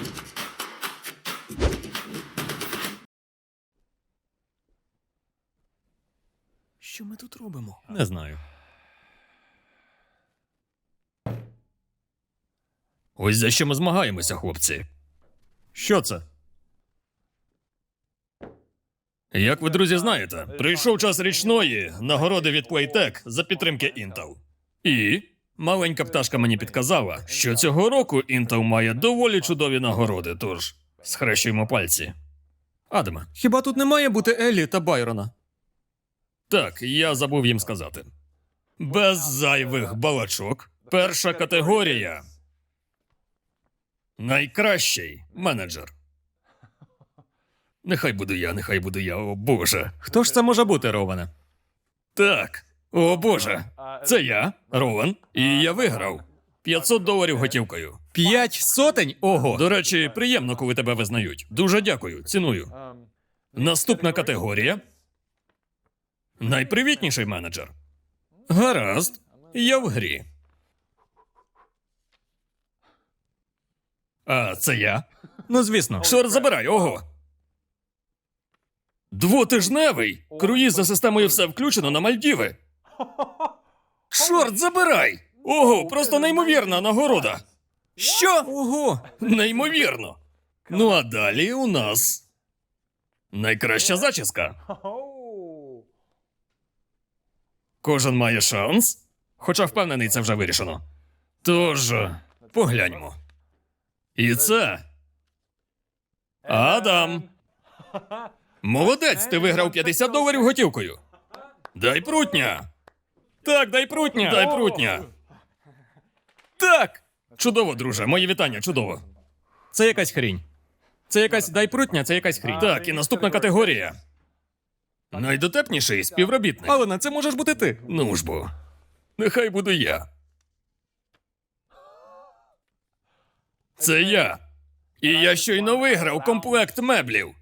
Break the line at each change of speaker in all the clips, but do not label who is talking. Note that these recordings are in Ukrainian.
Що ми тут робимо?
Не знаю. Ось за що ми змагаємося, хлопці. Що це? Як ви, друзі, знаєте, прийшов час річної нагороди від Playtech за підтримки Intel. І маленька пташка мені підказала, що цього року Intel має доволі чудові нагороди, тож схрещуємо пальці. Адаме.
Хіба тут не має бути Еллі та Байрона?
Так, я забув їм сказати. Без зайвих балачок. Перша категорія. Найкращий менеджер. Нехай буду я, о боже.
Хто ж це може бути, Роване?
Так, о боже. Це я, Рован, і я виграв. $500 готівкою.
5 сотень? Ого!
До речі, приємно, коли тебе визнають. Дуже дякую, ціную. Наступна категорія. Найпривітніший менеджер. Гаразд, я в грі. А це я.
Ну, звісно.
Шорт забирай, ого. Двотижневий. Круїз за системою все включено на Мальдіви. Шорт забирай. Ого, просто неймовірна нагорода.
Що? Ого!
Неймовірно. Ну а далі у нас найкраща зачіска. Кожен має шанс, хоча впевнений, це вже вирішено. Тож, погляньмо. І це... Адам. Молодець, ти виграв $50 готівкою. Дай прутня. Так, дай прутня. Дай прутня. Так. Чудово, друже, мої вітання, чудово.
Це якась хрінь. Це якась дай прутня, це якась хрінь.
Так, і наступна категорія. Найдотепніший співробітник.
Алена, це можеш бути ти.
Ну ж бо. Нехай буду я. Це я. І я щойно виграв комплект меблів.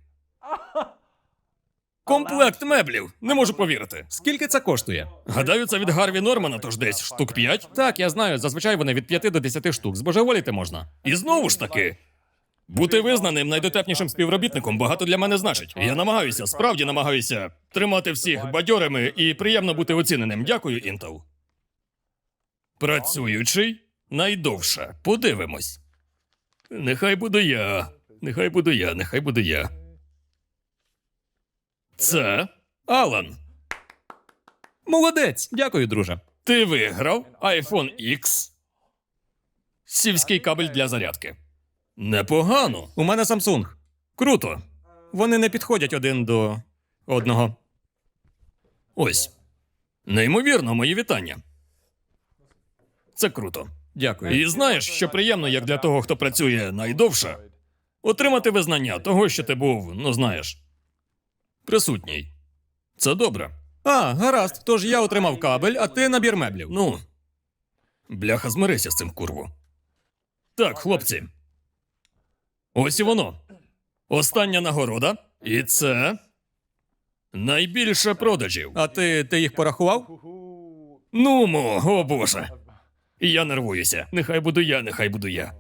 Комплект меблів. Не можу повірити.
Скільки це коштує?
Гадаю, це від Гарві Нормана, тож десь штук 5.
Так, я знаю, зазвичай вони від 5 до 10 штук. Збожеволіти можна.
І знову ж таки, бути визнаним найдотепнішим співробітником багато для мене значить. Я намагаюся, справді намагаюся тримати всіх бадьорими і приємно бути оціненим. Дякую, Intel. Працюючий найдовше. Подивимось. Нехай буду я. Нехай буду я, нехай буду я. Це Алан.
Молодець! Дякую, друже.
Ти виграв iPhone X. Сільський кабель для зарядки. Непогано.
У мене Samsung.
Круто.
Вони не підходять один до одного.
Ось. Неймовірно, мої вітання. Це круто.
Дякую.
І знаєш, що приємно, як для того, хто працює найдовше, отримати визнання того, що ти був, ну знаєш, присутній. Це добре.
А, гаразд. Тож я отримав кабель, а ти набір меблів.
Ну, бляха, змирися з цим, курву. Так, хлопці. Ось і воно. Остання нагорода. І це найбільше продажів.
А ти їх порахував?
Нумо, о боже. Я нервуюся. Нехай буду я, нехай буду я.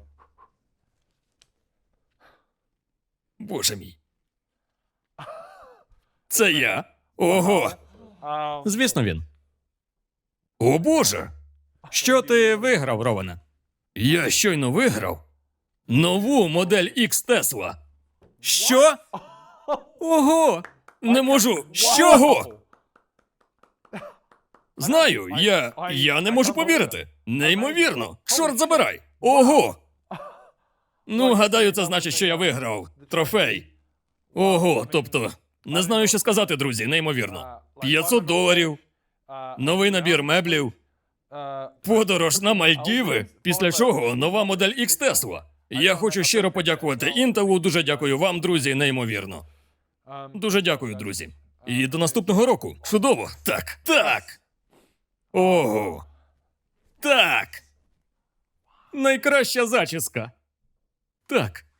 Боже мій. Це я? Ого.
Звісно, він.
О боже.
Що ти виграв, Роване?
Я щойно виграв нову модель X Tesla.
Що? Ого!
Не можу. Чого? Знаю, я не можу повірити. Неймовірно. Чорт забирай. Ого. Ну, гадаю, це значить, що я виграв трофей. Ого, тобто, не знаю, що сказати, друзі, неймовірно. $500, новий набір меблів, подорож на Мальдіви, після чого нова модель X Tesla. Я хочу щиро подякувати Intel, дуже дякую вам, друзі, неймовірно. Дуже дякую, друзі. І до наступного року. Чудово. Так, так. Ого. Так. Найкраща зачіска. Так.